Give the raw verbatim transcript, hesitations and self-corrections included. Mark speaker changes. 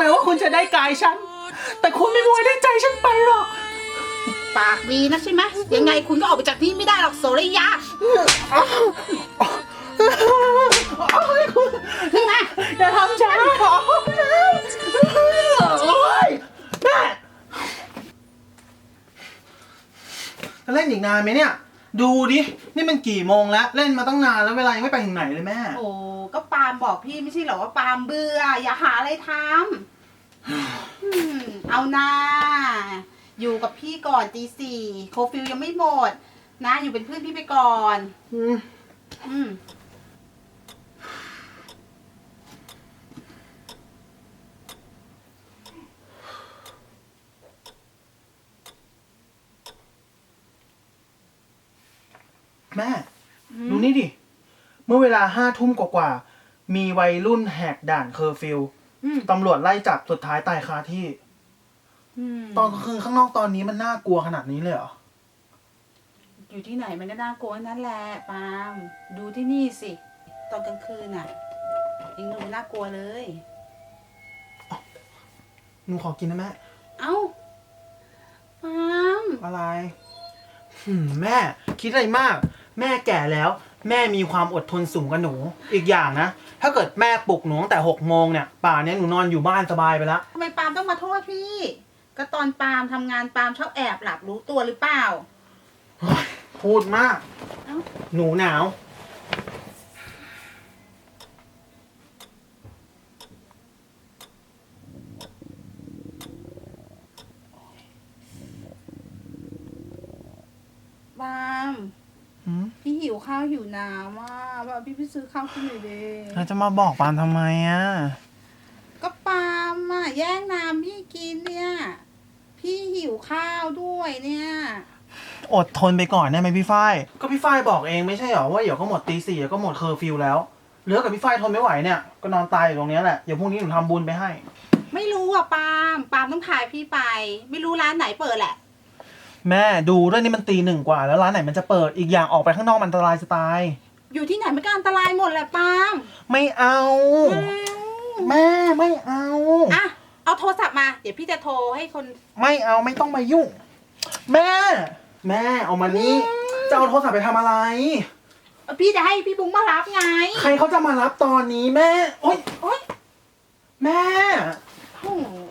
Speaker 1: ม้ว่าคุณจะได้กายฉันแต่คุณไม่มีวันได้ใจฉันไปหรอก
Speaker 2: ปากดีนะใช่ไหมยังไงคุณก็ออกไปจากที่ไม่ได้หรอกโสริยาขึ้นมา
Speaker 1: อย่าทำฉันขอโอ๊ยแม่จะเล่นอีกนานไหมเนี่ยดูดินี่มันกี่โมงแล้วเล่นมาตั้งนานแล้วเวลายังไม่ไปถึงไหนเลยแม่
Speaker 2: โอ้ก็ปาล์มบอกพี่ไม่ใช่เหรอว่าปาล์มเบื่ออย่าหาอะไรทำเอานาอยู่กับพี่ก่อนตีสี่โคฟิลยังไม่หมดนะอยู่เป็นเพื่อนพี่ไปก่อนอืมอืม
Speaker 1: แม่ดูนี่ดิเมื่อเวลาห้าทุ่มกว่าๆมีวัยรุ่นแหกด่านเคอร์ฟิวตำรวจไล่จับสุดท้ายตายคาที่ตอนคืนข้างนอกตอนนี้มันน่ากลัวขนาดนี้เลยเหรอ
Speaker 2: อยู่ที่ไหนมันก็น่ากลัวนั่นแหละปาล์มดูที่นี่สิตอนกลางคืนน่ะยังดูน่ากลัวเลย
Speaker 1: หนูขอกินนะแม่
Speaker 2: เอ้าปาล์ม
Speaker 1: อะไรหืมแม่คิดอะไรมากแม่แก่แล้วแม่มีความอดทนสูงกว่าหนูอีกอย่างนะถ้าเกิดแม่ปลุกหนูตั้งแต่หกโมงเนี่ยป่านนี้หนูนอนอยู่บ้านสบายไปแล้ว
Speaker 2: ทำไมปาล์มต้องมาโทษพี่ก็ตอนปาล์มทำงานปาล์มชอบแอบหลับรู้ตัวหรือเปล่า
Speaker 1: พูดมากหนูหนาว
Speaker 2: ปาล์มพี่หิวข้าวหิวน้ำอ่ะว่าพี่ไปซื้อข้าวกินหน่อยดิ
Speaker 1: แล้วจะมาบอกปาล์มทำไมอ่ะ
Speaker 2: ก็ปาล์มอ่ะแย่งน้ำพี่กินเนี่ยพี่หิวข้าวด้วยเนี่ย
Speaker 1: อดทนไปก่อนได้ไหมพี่ฝ้ายก็พี่ฝ้ายบอกเองไม่ใช่หรอว่าเดี๋ยวก็หมดตีสี่เดี๋ยวก็หมดเคอร์ฟิวแล้วเหลือกับพี่ฝ้ายทนไม่ไหวเนี่ยก็นอนตายอยู่ตรงนี้แหละเดี๋ยวพรุ่งนี้หนูทำบุญไปให้
Speaker 2: ไม่รู้อ่ะปาล์มปาล์มต้องพายพี่ไปไม่รู้ร้านไหนเปิดแหละ
Speaker 1: แม่ดูด้วยนี่มันตีหนึ่งกว่าแล้วร้านไหนมันจะเปิดอีกอย่างออกไปข้างนอกมันอันตรายจะตาย
Speaker 2: อยู่ที่ไหนมันก็อันตรายหมดแหละปาล์ม
Speaker 1: ไม่เอาแม่ไม่เอา
Speaker 2: อ่ะเอาโทรศัพท์มาเดี๋ยวพี่จะโทรให้คน
Speaker 1: ไม่เอาไม่ต้องมายุ่งแม่แม่เอามานี่จะเอาโทรศัพท์ไปทำอะไร
Speaker 2: พี่จะให้พี่บุ้งมารับไง
Speaker 1: ใครเขาจะมารับตอนนี้แม่โอ๊ยโอ๊ยแม่
Speaker 2: โอ้โห